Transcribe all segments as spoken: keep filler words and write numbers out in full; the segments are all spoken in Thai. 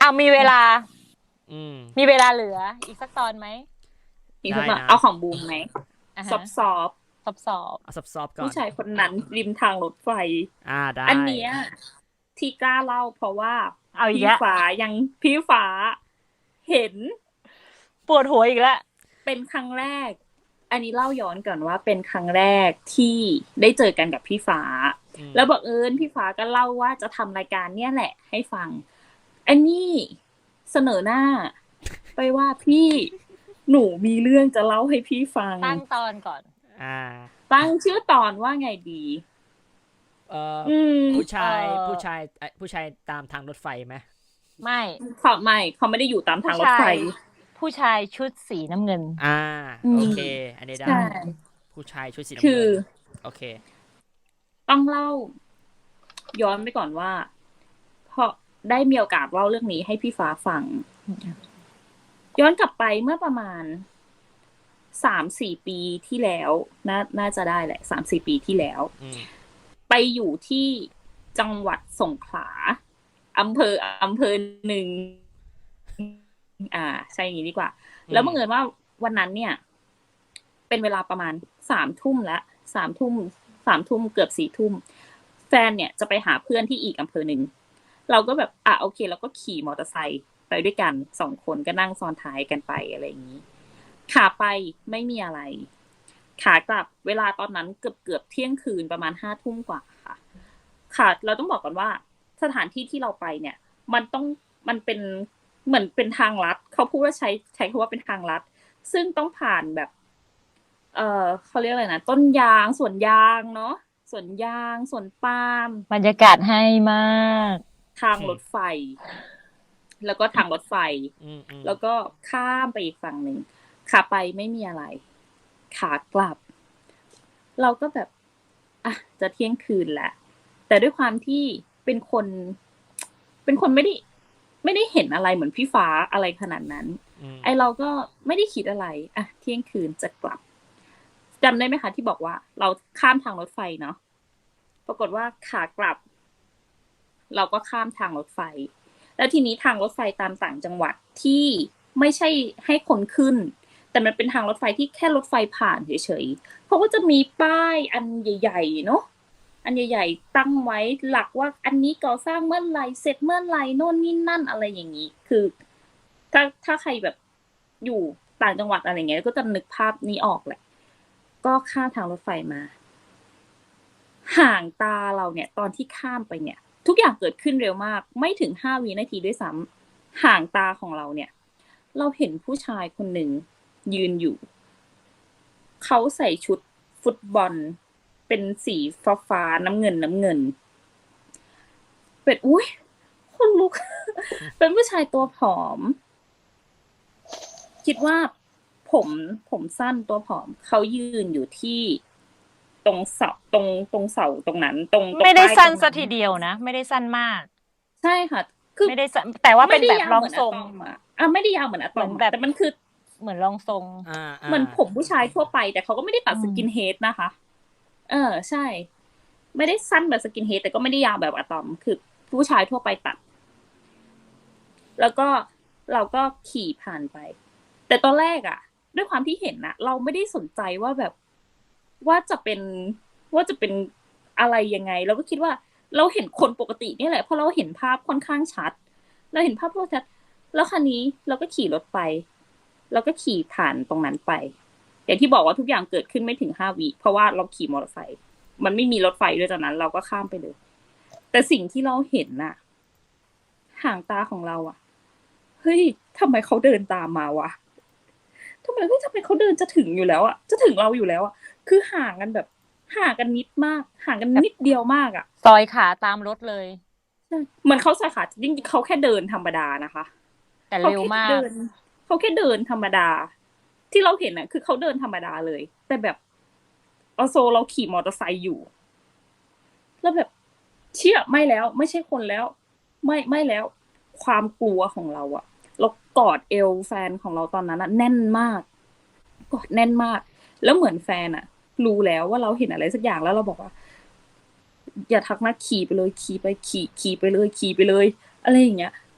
เอามีเวลาอืมมีเวลาเหลืออีกสักตอนไหมอีกได้สักหน่อยนะเอาของบูมไหมอ่ะซอฮะฟซอฟสอบสอบเอาซอฟๆก่อนผู้ชายคนนั้นริมทางรถไฟอ่าได้อันเนี้ยที่กล้าเล่าเพราะว่าเอาอีกพี่แล้วฟ้ายังพี่ฟ้าเห็นปวดหัวอีกแล้วเป็นครั้งแรกอันนี้เล่าย้อนก่อนว่าเป็นครั้งแรกที่ได้เจอกันกับพี่ฟ้าแล้วบังเอิญพี่ฟ้าก็เล่าว่าจะทำรายการเนี่ยแหละให้ฟังอันนี้เสนอหน้าไปว่าพี่หนูมีเรื่องจะเล่าให้พี่ฟังตั้งตอนก่อนอ่าตั้งชื่อตอนว่าไงดีเอ่ออืมผู้ชายเอ่อผู้ชายเอ่อผู้ชายตามทางรถไฟไหมไม่เขาไม่เขาไม่ได้อยู่ตามทางรถไฟผู้ชายชุดสีน้ำเงินอ่าอืมโอเค อันนี้ได้ใช่ผู้ชายชุดสีน้ำคืเงิอนโอเคต้องเล่า ย้อนไปก่อนว่าเพราะได้มีโอกาสเล่าเรื่องนี้ให้พี่ฟ้าฟัง ย้อนกลับไปเมื่อประมาณสามสี่ปีที่แล้วน่าน่าจะได้แหละสามสี่ปีที่แล้วอืมไปอยู่ที่จังหวัดสงขลาอำเภออำเภอหนึ่งอ่า ใช่อย่างนี้ดีกว่า แล้วบังเอิญว่าวันนั้นเนี่ย เป็นเวลาประมาณสามทุ่มแล้วสามทุ่มสามทุ่มเกือบสี่ทุ่มแฟนเนี่ยจะไปหาเพื่อนที่อีกอำเภอหนึ่งเราก็แบบอ่ะโอเคเราก็ขี่มอเตอร์ไซค์ไปด้วยกันสองคนก็นั่งซ้อนท้ายกันไปอะไรอย่างนี้ขาไปไม่มีอะไรขากลับเวลาตอนนั้นเกือบเกือบเที่ยงคืนประมาณห้าทุ่มกว่าค่ะค่ะเราต้องบอกก่อนว่าสถานที่ที่เราไปเนี่ย มันต้องมันเป็นเหมือนเป็นทางลัดเขาพูดว่าใช้ใช้คำว่าเป็นทางลัดซึ่งต้องผ่านแบบ เอ่อเขาเรียกอะไรนะต้นยางสวนยางเนาะสวนยางสวนปาล์มบรรยากาศให้มากทางรถไฟ แล้วก็ทางรถไฟอืมอืมแล้วก็ข้ามไปอีกฝั่งหนึ่งขาไปไม่มีอะไร ขากลับ เราก็แบบอ่ะจะเที่ยงคืนแล้วแต่ด้วยความที่เป็นคน เป็นคนไม่ได้ ไม่ได้เห็นอะไรเหมือนพี่ฟ้าอะไรขนาดนั้นอืมไอเราก็ไม่ได้คิดอะไรอ่ะเที่ยงคืนจะกลับจำได้ไหมคะที่บอกว่าเราข้ามทางรถไฟเนาะปรากฏว่าขากลับ เราก็ข้ามทางรถไฟ แล้วทีนี้ทางรถไฟตามต่างจังหวัดที่ไม่ใช่ให้คนขึ้น แต่มันเป็นทางรถไฟที่แค่รถไฟผ่านเฉยๆเขาก็จะมีป้ายอันใหญ่ๆเนาะอันใหญ่ๆตั้งไว้หลักว่าอันนี้ก่อสร้างเมื่อไหร่เสร็จเมื่อไหร่โน่นนี่นั่นอะไรอย่างนี้คือ ถ้าถ้าใครแบบอยู่ต่างจังหวัดอะไรเงี้ยก็จะนึกภาพนี้ออกแหละก็ข้ามทางรถไฟมา ห่างตาเราเนี่ย ตอนที่ข้ามไปเนี่ย ทุกอย่างเกิดขึ้นเร็วมาก ไม่ถึงห้าวินาทีด้วยซ้ำห่างตาของเราเนี่ย เราเห็นผู้ชายคนหนึ่งยืนอยู่เขาใส่ชุดฟุตบอล เป็นสีฟ้าฟ้าน้ำเงินน้ำเงิน เป็นอุ้ยคนลุก เป็นผู้ชายตัวผอม คิดว่าผมผมสั้นตัวผอมเขายืนอยู่ที่ตรงเสาตรงตรงเสาตรงนั้น ตรงตรงไม่ได้ป้ายสั้นตรงซะทีเดียวนะไม่ได้สั้นมากใช่ค่ะ คือไม่ได้สั้นแต่ว่าเป็นไม่แบได้บยาวรองเหมือนทอะรงตอมอะอ่ะไม่ได้ยาวเหมือนอะตอมเหมือนแบบแต่มันคือเหมือนรองทรงอ่าอ่าเหมือนผมผู้ชายทั่วไป แต่เขาก็ไม่ได้ตัดอืมสกินเฮดนะคะ เออ ใช่ ไม่ได้สั้นแบบสกินเฮดแต่ก็ไม่ได้ยาวแบบอะตอม คือผู้ชายทั่วไปตัด แล้วก็เราก็ขี่ผ่านไป แต่ตอนแรกอะด้วยความที่เห็นนะเราไม่ได้สนใจว่าแบบว่าจะเป็นว่าจะเป็นอะไรยังไง เราก็คิดว่าเราเห็นคนปกตินี่แหละเพราะเราเห็นภาพค่อนข้างชัด เราเห็นภาพค่อนข้างชัด แล้วคันนี้เราก็ขี่รถไป เราก็ขี่ผ่านตรงนั้นไป อย่างที่บอกว่าทุกอย่างเกิดขึ้นไม่ถึงห้าวิ เพราะว่าเราขี่มอเตอร์ไซค์ มันไม่มีรถไฟด้วยตอนนั้น เราก็ข้ามไปเลย แต่สิ่งที่เราเห็นน่ะ ห่างตาของเราอะเฮ้ยทำไมเขาเดินตามมาวะทำไมเฮ้ยทำไมเขาเดินจะถึงอยู่แล้วอะจะถึงเราอยู่แล้วอะคือห่างกันแบบ ห่างกันนิดมาก ห่างกันนิดเดียวมากอะซอยขาตามรถเลยเหมือนเขาสายขาจริงๆเขาแค่เดินธรรมดานะคะแต่เขาเร็วแค่มากเดินเขาแค่เดินธรรมดา ที่เราเห็นน่ะ คือเขาเดินธรรมดาเลย แต่แบบออโซเราขี่มอเตอร์ไซค์อยู่ แล้วแบบ เชี่ยไม่แล้ว ไม่ใช่คนแล้ว ไม่ไม่แล้ว ความกลัวของเราอะเรากอดเอวแฟนของเราตอนนั้นอะแน่นมาก กอดแน่นมาก แล้วเหมือนแฟนอะรู้แล้วว่าเราเห็นอะไรสักอย่างแล้วเราบอกว่า อย่าทักนะขี่ไปเลยขี่ไปขี่ขี่ไปเลยขี่ไปเลยอะไรอย่างเงี้ย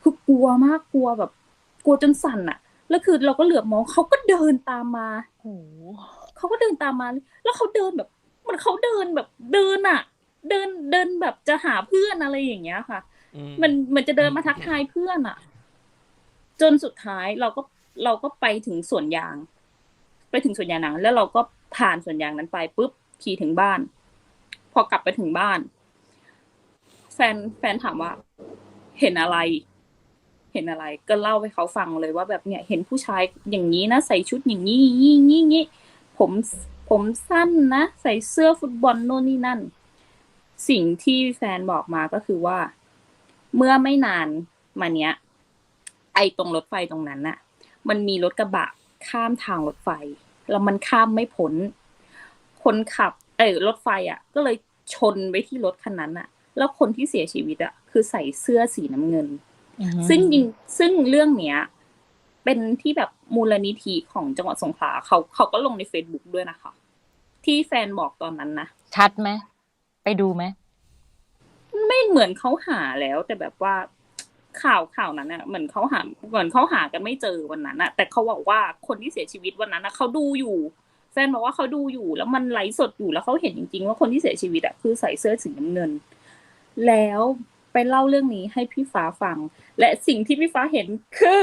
คือกลัวมากกลัวแบบ กลัวจนสั่นอะแล้วคือเราก็เหลือบมองเขาก็เดินตามมาโอ้โหเขาก็เดินตามมา แล้วเขาเดินแบบเหมันเขาเดินแบบเดินอะเดินเดินแบบจะหาเพื่อนอะไรอย่างเงี้ยค่ะอืมมันมันจะเดินมาทักทายเพื่อนอะจนสุดท้ายเราก็เราก็ไปถึงสวนยาง ไปถึงสวนยางนั้นแล้วเราก็ผ่านสวนยางนั้นไปปุ๊บขี่ถึงบ้าน พอกลับไปถึงบ้าน แฟนแฟนถามว่า เห็นอะไร เห็นอะไร ก็เล่าให้เขาฟังเลยว่าแบบเนี่ย เห็นผู้ชายอย่างนี้นะใส่ชุดอย่างนี้งี้งี้งี้ผมผมสั้นนะใส่เสื้อฟุตบอลโน่นนี่นั่น สิ่งที่แฟนบอกมาก็คือว่า เมื่อไม่นานมาเนี้ย ไอ้ตรงรถไฟตรงนั้นน่ะ มันมีรถกระบะข้ามทางรถไฟ แล้วมันข้ามไม่พ้น คนขับ เอ้ยรถไฟอ่ะ ก็เลยชนไปที่รถคันนั้นอ่ะ แล้วคนที่เสียชีวิตอ่ะ คือใส่เสื้อสีน้ำเงินอือหือซึ่งจริงซึ่งเรื่องเนี้ย เป็นที่แบบมูลนิธิของจังหวัดสงขลาเขาเขาก็ลงใน Facebook ด้วยนะคะ ที่แฟนบอกตอนนั้นนะชัดไหมไปดูไหมไม่เหมือนเขาหาแล้ว แต่แบบว่าข่าวข่าวนั้นน่ะเหมือนเขาหาเหมือนเขาหากันไม่เจอวันนั้นน่ะ แต่เขาบอกว่าคนที่เสียชีวิตวันนั้นน่ะเขาดูอยู่ แฟนบอกว่าเขาดูอยู่ แล้วมันไลฟ์สดอยู่แล้วเขาเห็นจริงๆว่าคนที่เสียชีวิตอ่ะคือใส่เสื้อสีน้ำเงิน แล้วไปเล่าเรื่องนี้ให้พี่ฟ้าฟัง และสิ่งที่พี่ฟ้าเห็นคือ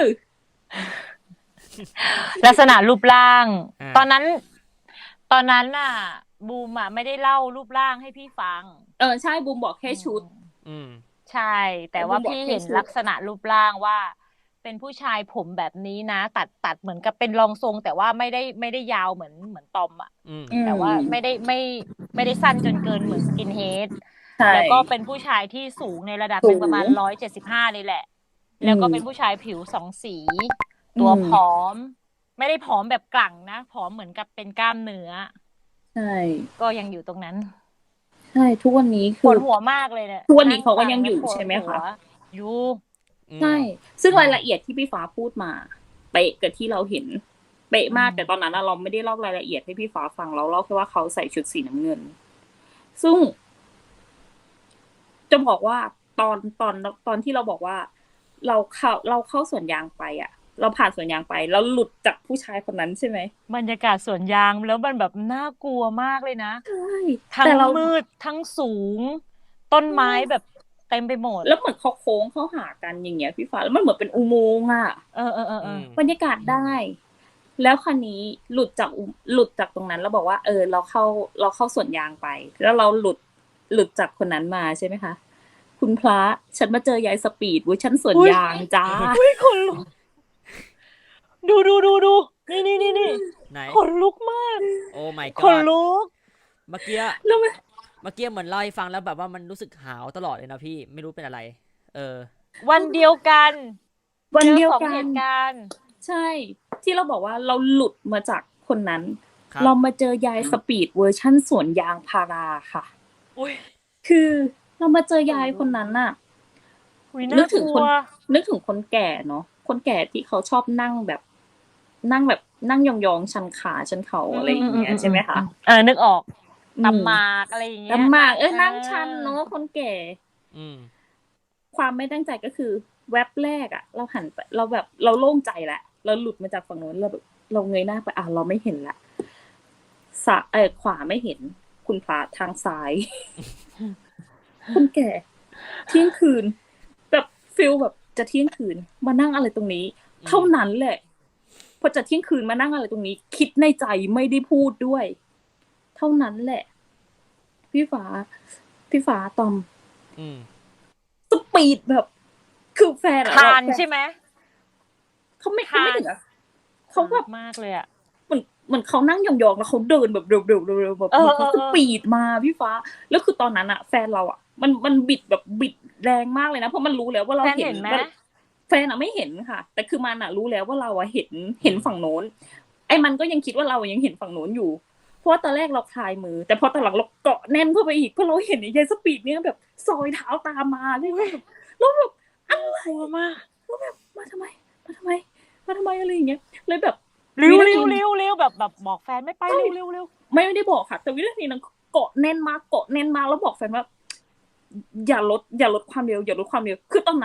ลักษณะรูปร่างอ่าตอนนั้น ตอนนั้นน่ะ บูมอ่ะไม่ได้เล่ารูปร่างให้พี่ฟังเออใช่บูมบอกแค่ชุดอืมใช่ แต่ว่าบูมบอกพี่แค่เห็นชุดลักษณะรูปร่างว่า เป็นผู้ชายผมแบบนี้นะ ตัดตัดเหมือนกับเป็นรองทรง แต่ว่าไม่ได้ไม่ได้ยาวเหมือนเหมือนตอมอ่ะอืมอืมแต่ว่าไม่ได้ไม่ไม่ได้สั้นจนเกินเหมือนสกินเฮดใช่แล้วก็เป็นผู้ชายที่สูงในระดับหสูนึ่งงประมาณร้อยเจ็ดสิบห้าเลยแหละอืมแล้วก็เป็นผู้ชายผิวสองสี ตัวอืมผอม ไม่ได้ผอมแบบกลั่งนะ ผอมเหมือนกับเป็นกล้ามเนื้อใช่ก็ยังอยู่ตรงนั้นใช่ ทุกวันนี้ปคืวอดหัวมากเลยเนี่ยทุกวันนี้นั่งเขาก็ฟังยังแล้อวยู่ปวดใช่ไหมหัวคะอยู่อืมใช่ ซึ่งอืมรายละเอียดที่พี่ฟ้าพูดมา เป๊ะกับที่เราเห็น เป๊ะมากอืมแต่ตอนนั้นน่ะเราไม่ได้เล่ารายละเอียดให้พี่ฟ้าฟัง เราเล่าแค่ว่าเขาใส่ชุดสีน้ำเงิน ซึ่ง จะบอกว่าตอนตอนตอนที่เราบอกว่า เราเข้าเราเข้าสวนยางไปอะ เราผ่านสวนยางไปแล้วหลุดจากผู้ชายคนนั้นใช่ไหมบรรยากาศสวนยางแล้วมันแบบน่ากลัวมากเลยนะใช่ทั้แต่งเรามืด ทั้งสูง ต้นไม้แบบเต็มไปหมดแล้วเหมือนเขาโค้งเข้าหากันอย่างเงี้ยพี่ฟ้า แล้วมันเหมือนเป็นอุโมงค์อะเออ ๆอืมๆบรรยากาศได้ แล้วคราวนี้หลุดจากอุหลุดจากตรงนั้นแล้วบอกว่า เออ เราเข้าเราเข้าสวนยางไป แล้วเราหลุดหลุดจากคนนั้นมาใช่ไหมคะ คุณพระฉันมาเจอยายสปีดเวอร์ชันสวนอุ๊ยยางจ้าๆ อุ๊ย ขนลุก ดู ๆ ๆ ๆ นี่ ๆ ๆไหนๆ ขนลุกมากโอ้ my ขน god ลุกเมื่อกี้แล้วมันเมื่อกี้เหมือนเล่าให้ฟังแล้วแบบว่ามันรู้สึกหาวตลอดเลยนะพี่ ไม่รู้เป็นอะไร เออวันเดียวกันวันเจอเดียวสองกัเหนตุการณ์ใช่ ที่เราบอกว่าเราหลุดมาจากคนนั้นครับเรามาเจอยายสปีดเวอร์ชันสวนยางพาราค่ะอุ๊ยคือเรามาเจอยายคนนั้นน่ะอุ๊ยนึน่ากถึงกคลันวนึกถึงคนแก่เนาะ คนแก่ที่เขาชอบนั่งแบบ นั่งแบบนั่งยองๆ ชันขาชันเข่าอือะไรอย่างเงี้ยม ๆ ๆใช่ไหมคะๆ ๆ เออ นึกออกอืตำมหมาก อะไรอย่างเงี้ยตำหมาก เออเอนั่งชันเนาะอคนแก่อืมความไม่ตั้งใจก็คือ แว็บแรกอะเราหันไป เราแบบเราโล่งใจแล้ว เราหลุดมาจากฝั่งโน้น เราแบบ เราเงยหน้าไป อ้าว เราไม่เห็นแล้ว ซะ เอ่อ ขวาไม่เห็น คุณพระทางซ้าย คนแก่ เที่ยงคืน แบบฟีลแบบจะเที่ยงคืน มานั่งอะไรตรงนี้อืเท่าม นั้นแหละ พอจะเที่ยงคืนมานั่งอะไรตรงนี้ คิดในใจไม่ได้พูดด้วย เท่านั้นแหละ พี่ฟ้า พี่ฟ้า ตอมอืมสปีดแบบ คือแฟนอะคลาเรานแฟนใช่ไหม? เขาไม่คเขาลาไม่นถึงอะขเขานแบลุบกมากเลยอะเหมือน เหมือนเขานั่งยองๆ แล้วเขาเดินแบบเร็ว ๆ ๆ ๆ แบบเอเหมือนเขาสอ ๆ ๆปีดมาพี่ฟ้า แล้วคือตอนนั้นน่ะ แฟนเราอะ มัน มันบิดแบบบิดแรงมากเลยนะ เพราะมันรู้แล้วว่าเราแฟนเห็เห็นนไหม? ว่า แฟนอะไม่เห็นค่ะ แต่คือมันอะรู้แล้วว่าเราอะเห็น เห็นอืมฝั่งโน้น ไอ้มันก็ยังคิดว่าเราอะยังเห็นฝั่งโน้นอยู่ เพราะว่าตอนแรกเราคลายมือ แต่พอตอนหลังเราเกาะแน่นเข้าไปอีก เพราะเราเห็นไอ้ยายสปีดเนี่ยแบบซอยเท้าตามมา เรียกอุ๊ว่าย แบบ แล้วแบบ อะน่ากลัวมากแล้วแบบมาทำไม มาทำไม มาทำไม อะไรอย่างเงี้ย เลยแบบเร็วิวนาทีๆ ๆ ๆ แบบ แบบบอกแฟนไม่ไปใช่เร็ว ๆ ๆไม่ ไม่ได้บอกค่ะ แต่วินาทีนั้นเกาะแน่นมาก เกาะแน่นมาก แล้วบอกแฟนว่า อย่าลด อย่าลดความเร็ว อย่าลดความเร็ว คือตอนนั้นน่ะ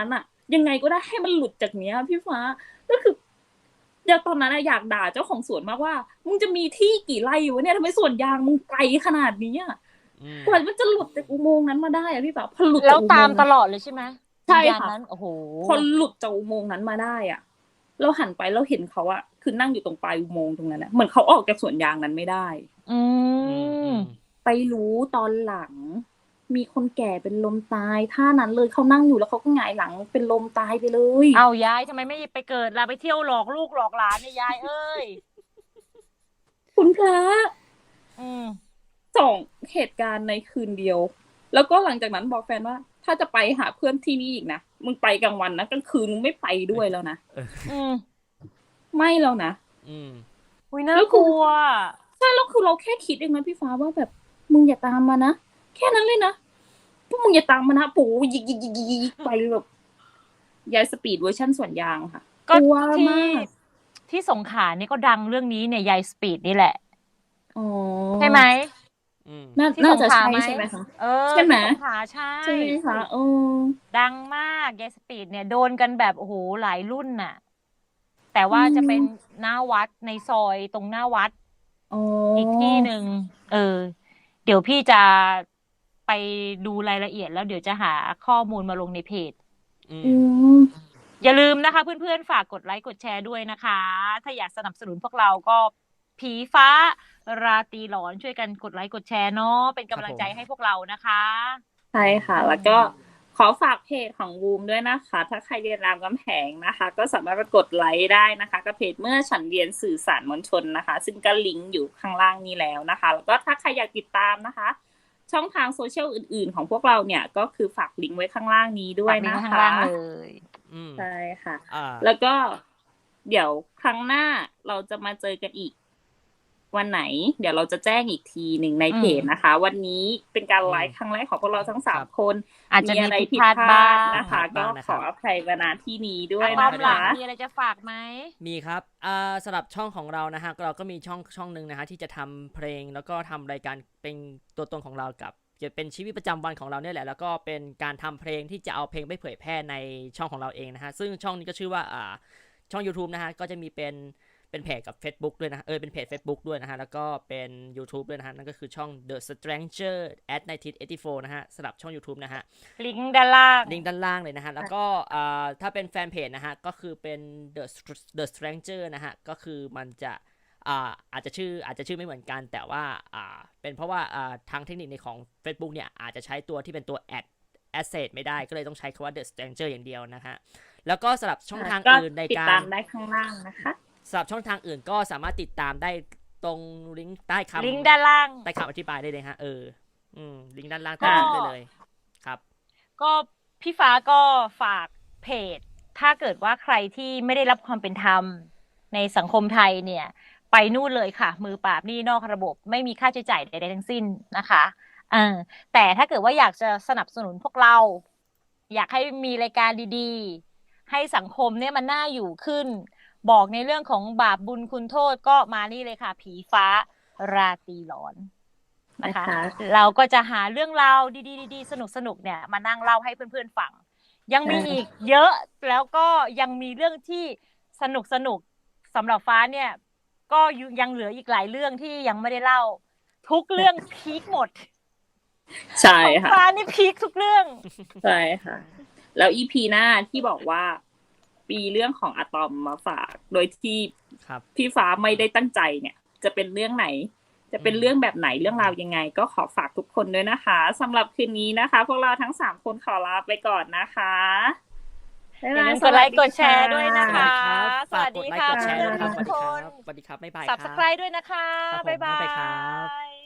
ยังไงก็ได้ให้มันหลุดจากเนี้ยพี่ฟ้าก็คือเดี๋ยวตอนนั้นอะอยากด่าเจ้าของสวนมากว่ามึงจะมีที่กี่ไร่วะเนี่ยทำไมสวนยางมึงไกลขนาดนี้อะอืมกว่ามันจะหลุดจากอุโมงค์นั้นมาได้อะพี่ฟ้าพอหลุดแล้จาว กอุโมตามงค์ตนั้นลอดเลยใช่ไหมใช่วิญญาณค่ะนั้นโอ้โหพอหลุดจากอุโมงค์นั้นมาได้อะเราหันไปเราเห็นเขาอะคือนั่งอยู่ตรงปลายอุโมงค์ตรงนั้นอะเหมือนเขาออกจากสวนยางนั้นไม่ได้อือืมอืมมไปรู้ตอนหลัง มีคนแก่เป็นลมตายท่านั้นเลยเขานั่งอยู่แล้วเขาก็หงายหลังเป็นลมตายไปเลยเอายายทำไมไม่ไปเกิดล่ะไปเที่ยวหลอกลูกหลอกหลานเนี่ยยายเอ้ยคุณพระอืมสองเหตุการณ์ในคืนเดียว แล้วก็หลังจากนั้นบอกแฟนว่า ถ้าจะไปหาเพื่อนที่นี่อีกนะมึงไปกลางวันนะกลางคืนมึงไม่ไปด้วยแล้วนะอืมไม่แล้วนะอืมอุ้ยน่ากลัวใช่แล้วคือเราแค่คิดเองนะพี่ฟ้าว่าแบบมึงอย่าตามมานะแค่นั้นเลยนะพวกมึงอย่าตามมานะปู่ยิกยิกยิกยิกยิกไปแบบยายสปีดเวอร์ชันสวนยางค่ะก็กลัวที่มากที่สงขลานี่ก็ดังเรื่องนี้เนี่ยยายสปีดนี่แหละอ๋อใช่ไหมอืมน่าที่น่าสงจะขลาใช่ไหมใช่ไหมคะเออใช่ไหมที่สงขลาใช่ใช่ไหมคะเออดังมากยายสปีดเนี่ยโดนกันแบบโอ้โหหลายรุ่นน่ะ แต่ว่าอืมจะเป็นหน้าวัดในซอยตรงหน้าวัดอ๋ออีกที่หนึ่งเออ เดี๋ยวพี่จะไปดูรายละเอียดแล้วเดี๋ยวจะหาข้อมูลมาลงในเพจอือืมมอย่าลืมนะคะเพื่อนๆฝากกดไลค์กดแชร์ด้วยนะคะ ถ้าอยากสนับสนุนพวกเราก็ผีฟ้าราตรีหลอนช่วยกันกดไลค์กดแชร์เนาะเป็นกำลังใจให้พวกเรานะคะใช่ค่ะ แล้วก็ขอฝากเพจของวูมด้วยนะคะ ถ้าใครเรียนรามคำแหงนะคะ ก็สามารถไปกดไลค์ได้นะคะกับเพจเมื่อฉันเรียนสื่อสารมวลชนนะคะ ซึ่งก็ลิงก์อยู่ข้างล่างนี้แล้วนะคะ แล้วก็ถ้าใครอยากติดตามนะคะ ช่องทางโซเชียลอื่นๆ ของพวกเราเนี่ยก็คือฝากลิงก์ไว้ข้างล่างนี้ด้วยฝากลิงนะก์ไว้ข้างคะล่างเลยอืมใช่ค่ะอ่าแล้วก็เดี๋ยวครั้งหน้าเราจะมาเจอกันอีก วันไหน เดี๋ยวเราจะแจ้งอีกทีหนึ่งในเพจนะคะ วันนี้เป็นการไลฟ์ครั้งแรกของพวกเราทั้งสามคนอาจจะมีอะไรผิผิดดพลาดพลาบ้าดงนะคะบ้าก็งนะขครัอบ อภัยณที่นี้ด้วยอะตอนะมหลังคะมีอะไรจะฝากไหมมีครับอ่าสำหรับช่องของเรานะฮะเราก็มีช่องช่องหนึ่งนะฮะที่จะทำเพลงแล้วก็ทำรายการเป็นตัวตนของเรากับจะเป็นชีวิตประจำวันของเราเนี่ยแหละแล้วก็เป็นการทำเพลงที่จะเอาเพลงไปเผยแพร่ในช่องของเราเองนะฮะซึ่งช่องนี้ก็ชื่อว่าอ่าช่อง YouTube นะฮะก็จะมีเป็นเป็นเพจกับ Facebook ด้วยนะเออเป็นเพจ Facebook ด้วยนะฮะแล้วก็เป็น YouTube ด้วยนะฮะนั่นก็คือช่อง The Stranger at หนึ่งพันเก้าร้อยแปดสิบสี่นะฮะสำหรับช่อง YouTube นะฮะลิงก์ด้านล่างลิงก์ด้านล่างเลยนะฮะ แล้วก็อ่าถ้าเป็นแฟนเพจนะฮะ ก็คือเป็น The The Stranger นะฮะ ก็คือมันจะอ่าอาจจะชื่ออาจจะชื่อไม่เหมือนกัน แต่ว่าอ่าเป็นเพราะว่าอ่าทางเทคนิคในของ Facebook เนี่ยอาจจะใช้ตัวที่เป็นตัว add asset ไม่ได้ ก็เลยต้องใช้คำว่า The Stranger อย่างเดียวนะฮะ แล้วก็สำหรับช่องทางก็อื่นในติดกาตาร มได้ข้างล่างนะคะสำหรับช่องทางอื่นก็สามารถติดตามได้ตรงลิงก์ใต้คำลิงก์ด้านล่างใต้คำอธิบายได้เลยฮะ เออ อืม ลิงก์ด้านล่างก็ใต้คลิปได้เลย ครับก็พี่ฟ้าก็ฝากเพจ ถ้าเกิดว่าใครที่ไม่ได้รับความเป็นธรรมในสังคมไทยเนี่ย ไปนู่นเลยค่ะ มือปราบหนี้นอกระบบไม่มีค่าใช้จ่ายใดๆทั้งสิ้นนะคะเออแต่ถ้าเกิดว่าอยากจะสนับสนุนพวกเรา อยากให้มีรายการดีๆ ให้สังคมเนี่ยมันน่าอยู่ขึ้น บอกในเรื่องของบาปบุญคุณโทษก็มานี่เลยค่ะ ผีฟ้าราตรีหลอนนะคะนะคะเราก็จะหาเรื่องราวดีๆๆสนุกๆเนี่ยมานั่งเล่าให้เพื่อนๆฟัง ยังมีอีกเยอะแล้วก็ยังมีเรื่องที่สนุกสนุกๆสำหรับฟ้าเนี่ย ก็ยังเหลืออีกหลายเรื่องที่ยังไม่ได้เล่า ทุกเรื่องพีคหมดใช่ของค่ะฟ้านี่พีคทุกเรื่องใช่ค่ะ แล้วอีพีหน้าที่บอกว่ามีเรื่องของอะตอมมาฝาก โดยที่ครับพี่ฟ้าไม่ได้ตั้งใจเนี่ย จะเป็นเรื่องไหน จะเป็นเรื่องแบบไหนเรื่องราวยังไง ก็ขอฝากทุกคนด้วยนะคะสำหรับคืนนี้นะคะ พวกเราทั้งสามคนขอลาไปก่อนนะคะบ๊ายอย่าบายลืมกดไลค์กดแชร์ด้วยนะสวัสคะดีครับสวัสดีฝากกดไลค์ค่ะกดแชร์ด้วยนะครับ สทุวัสกดีคครันบ สวัสดีครับ บ๊ายบายสับคสรับไครด้วยนะคะครับผมบ๊ายบาบ๊ายบายครับย